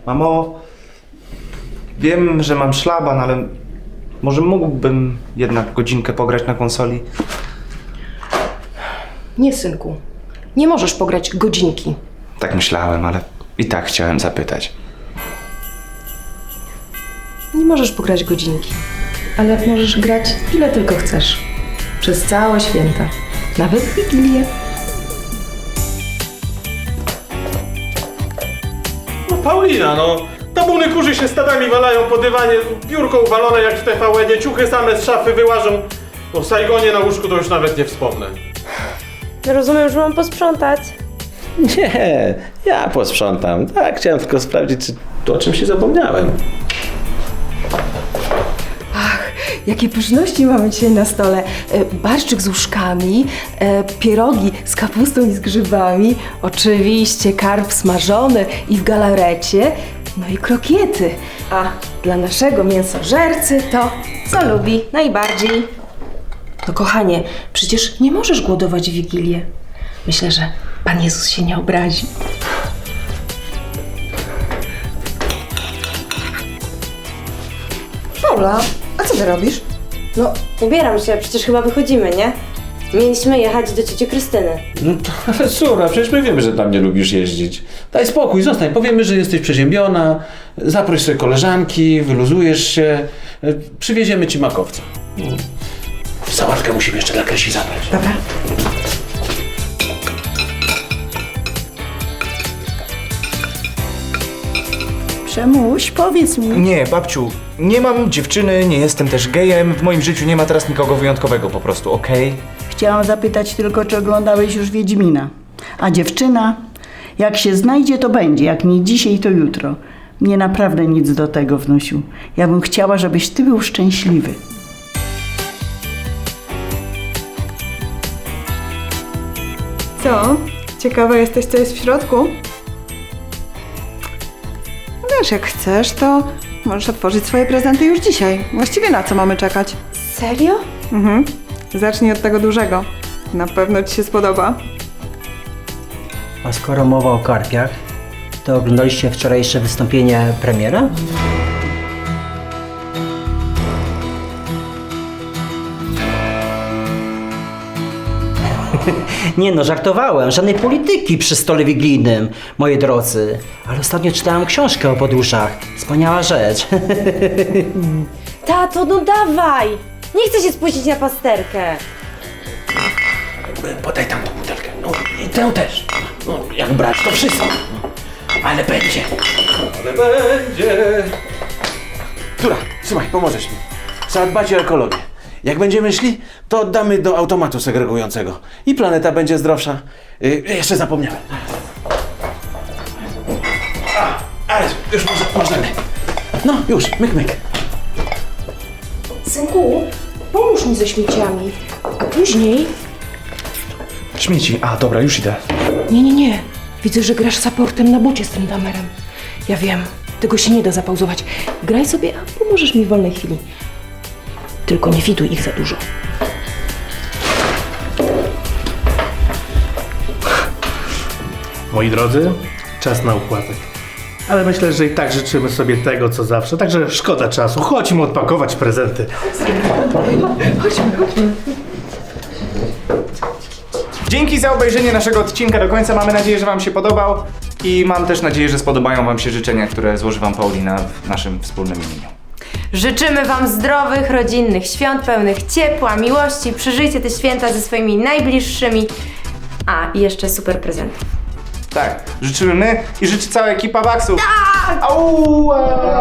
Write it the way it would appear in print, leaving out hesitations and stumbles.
Mamo, wiem, że mam szlaban, ale może mógłbym jednak godzinkę pograć na konsoli? Nie, synku. Nie możesz pograć godzinki. Tak myślałem, ale i tak chciałem zapytać. Nie możesz pograć godzinki. Ale możesz grać ile tylko chcesz. Przez całe święta. Nawet w Wigilię. No Paulina, no. Tabuny kurzy się stadami walają po dywanie, biurko uwalone jak w TVN-ie, ciuchy same z szafy wyłażą. O Saigonie na łóżku to już nawet nie wspomnę. Rozumiem, że mam posprzątać. Nie, ja posprzątam. Tak, chciałem tylko sprawdzić, czy o czymś się zapomniałem. Jakie pyszności mamy dzisiaj na stole. Barszczyk z uszkami, pierogi z kapustą i z grzybami, oczywiście karp smażony i w galarecie, no i krokiety. A dla naszego mięsożercy to, co lubi najbardziej. No kochanie, przecież nie możesz głodować w Wigilię. Myślę, że Pan Jezus się nie obrazi. Paula, a co ty robisz? No, ubieram się, przecież chyba wychodzimy, nie? Mieliśmy jechać do cioci Krystyny. No to, ale Sura, przecież my wiemy, że tam nie lubisz jeździć. Daj spokój, zostań. Powiemy, że jesteś przeziębiona, zaproś sobie koleżanki, wyluzujesz się, przywieziemy ci makowca. Sałatkę musimy jeszcze dla Krysi zabrać. Dobra. Przemuś, powiedz mi. Nie, babciu, nie mam dziewczyny, nie jestem też gejem. W moim życiu nie ma teraz nikogo wyjątkowego po prostu, okej? Chciałam zapytać tylko, czy oglądałeś już Wiedźmina. A dziewczyna? Jak się znajdzie, to będzie. Jak nie dzisiaj, to jutro. Mnie naprawdę nic do tego, wnusiu. Ja bym chciała, żebyś ty był szczęśliwy. Co? Ciekawa jesteś, co jest w środku? Wiesz, jak chcesz, to możesz otworzyć swoje prezenty już dzisiaj. Właściwie na co mamy czekać? Serio? Mhm. Zacznij od tego dużego. Na pewno ci się spodoba. A skoro mowa o karpiach, to oglądaliście wczorajsze wystąpienie premiera? Nie no, żartowałem. Żadnej polityki przy stole wigilijnym, moi drodzy. Ale ostatnio czytałem książkę o podróżach. Wspaniała rzecz. Tato, no dawaj! Nie chcę się spuścić na pasterkę. Podaj tam tą butelkę. No i tę też. No, jak brać, to wszystko. Ale będzie. Ale będzie. Tura, słuchaj, pomożesz mi. Trzeba dbać o ekologię. Jak będziemy szli, to oddamy do automatu segregującego. I planeta będzie zdrowsza. Jeszcze zapomniałem. Ale już możemy. No, już, myk, myk. Synku, pomóż mi ze śmieciami, a później... Śmieci, a dobra, już idę. Nie. Widzę, że grasz supportem na bocie z tym damerem. Ja wiem, tego się nie da zapauzować. Graj sobie, a pomożesz mi w wolnej chwili. Tylko nie fiduj ich za dużo. Moi drodzy, czas na układek. Ale myślę, że i tak życzymy sobie tego, co zawsze. Także szkoda czasu. Chodźmy odpakować prezenty. Dzięki za obejrzenie naszego odcinka do końca. Mamy nadzieję, że wam się podobał. I mam też nadzieję, że spodobają wam się życzenia, które złoży wam Paulina w naszym wspólnym imieniu. Życzymy wam zdrowych, rodzinnych świąt, pełnych ciepła, miłości. Przeżyjcie te święta ze swoimi najbliższymi. A, i jeszcze super prezentów. Tak, życzymy my i życzy cała ekipa Baxów. Au!